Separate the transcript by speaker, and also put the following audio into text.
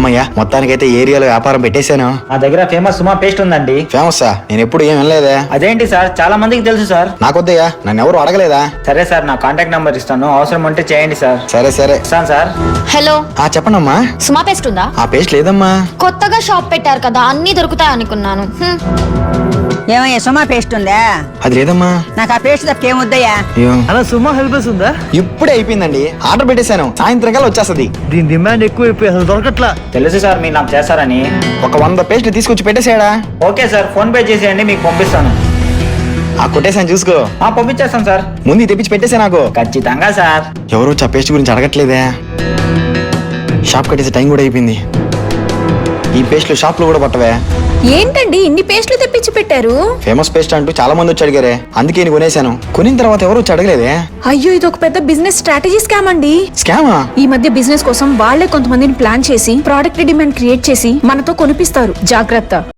Speaker 1: అమ్మయ్యా, మొత్తానికైతే ఏరియాలో వ్యాపారం పెట్టేశాను.
Speaker 2: మా దగ్గర ఫేమస్ సుమా పేస్ట్ ఉందండి.
Speaker 1: ఫేమస్సా? నేను ఎప్పుడు ఏం వినలేదే.
Speaker 2: అదేంటి సార్, చాలా మందికి తెలుసు సార్.
Speaker 1: నాకొద్దయ్యా, నన్ను ఎవరు అడగలేదా?
Speaker 2: సరే సార్, నా కాంటాక్ట్ నంబర్ ఇస్తాను, అవసరం ఉంటే చేయండి సార్.
Speaker 1: సరే సరే.
Speaker 2: ఇస్తాను సార్.
Speaker 3: హలో,
Speaker 1: చెప్పండమ్మా.
Speaker 3: సుమా పేస్ట్ ఉందా?
Speaker 1: ఆ పేస్ట్ లేదమ్మా.
Speaker 3: కొత్తగా షాప్ పెట్టారు కదా, అన్ని దొరుకుతాయి అనుకున్నాను.
Speaker 4: ఏమయ్యా సుమా పేస్ట్ ఉందా?
Speaker 1: అది లేదమ్మా.
Speaker 4: నాకు ఆ పేస్ట్ తప్పకేమొద్దయ్యా.
Speaker 1: అయ్యో,
Speaker 5: అలా సుమా హెల్పర్స్ ఉందా?
Speaker 1: ఇప్పుడే అయిపోయిందండి. ఆర్డర్ పెట్టేశాను, సాయంత్రం కల్లా వచ్చేస్తుంది.
Speaker 5: దీని డిమాండ్ ఎక్కువ అయిపోయి అసలు దొరకట్లా.
Speaker 2: తెలుసు సార్, మీరు నాకు చేస్తారని.
Speaker 1: ఒక 100 పేస్ట్ తీసుకొచ్చి పెట్టేసాడా?
Speaker 2: ఓకే సార్, ఫోన్ పే చేసేయండి, మీకు పంపిస్తాను.
Speaker 1: కొట్టేశాను, చూసుకో.
Speaker 2: పంపించేస్తాను సార్.
Speaker 1: ముందు తెప్పించి పెట్టేసా నాకు.
Speaker 2: ఖచ్చితంగా సార్.
Speaker 1: ఎవరు వచ్చి ఆ పేస్ట్ గురించి అడగట్లేదే. షాప్ కట్టేసే టైం కూడా అయిపోయింది. ఈ పేస్ట్లు షాప్ లో కూడా పట్టవే.
Speaker 6: ఏంటండి ఇన్ని పేస్ట్లు తెప్పించి పెట్టారు?
Speaker 1: ఫేమస్ పేస్ట్ అంటూ చాలా మంది వచ్చి అడిగారే, అందుకే నేను కొనేశాను. కొనిన తర్వాత ఎవరు వచ్చి అడగలేదే.
Speaker 6: అయ్యో, ఇది ఒక పెద్ద బిజినెస్ స్ట్రాటజీ స్కామ్ అండి.
Speaker 1: స్కామా?
Speaker 6: ఈ మధ్య బిజినెస్ కోసం వాళ్ళే కొంతమందిని ప్లాన్ చేసి ప్రోడక్ట్ డిమాండ్ క్రియేట్ చేసి మనతో కొనిపిస్తారు. జాగ్రత్త.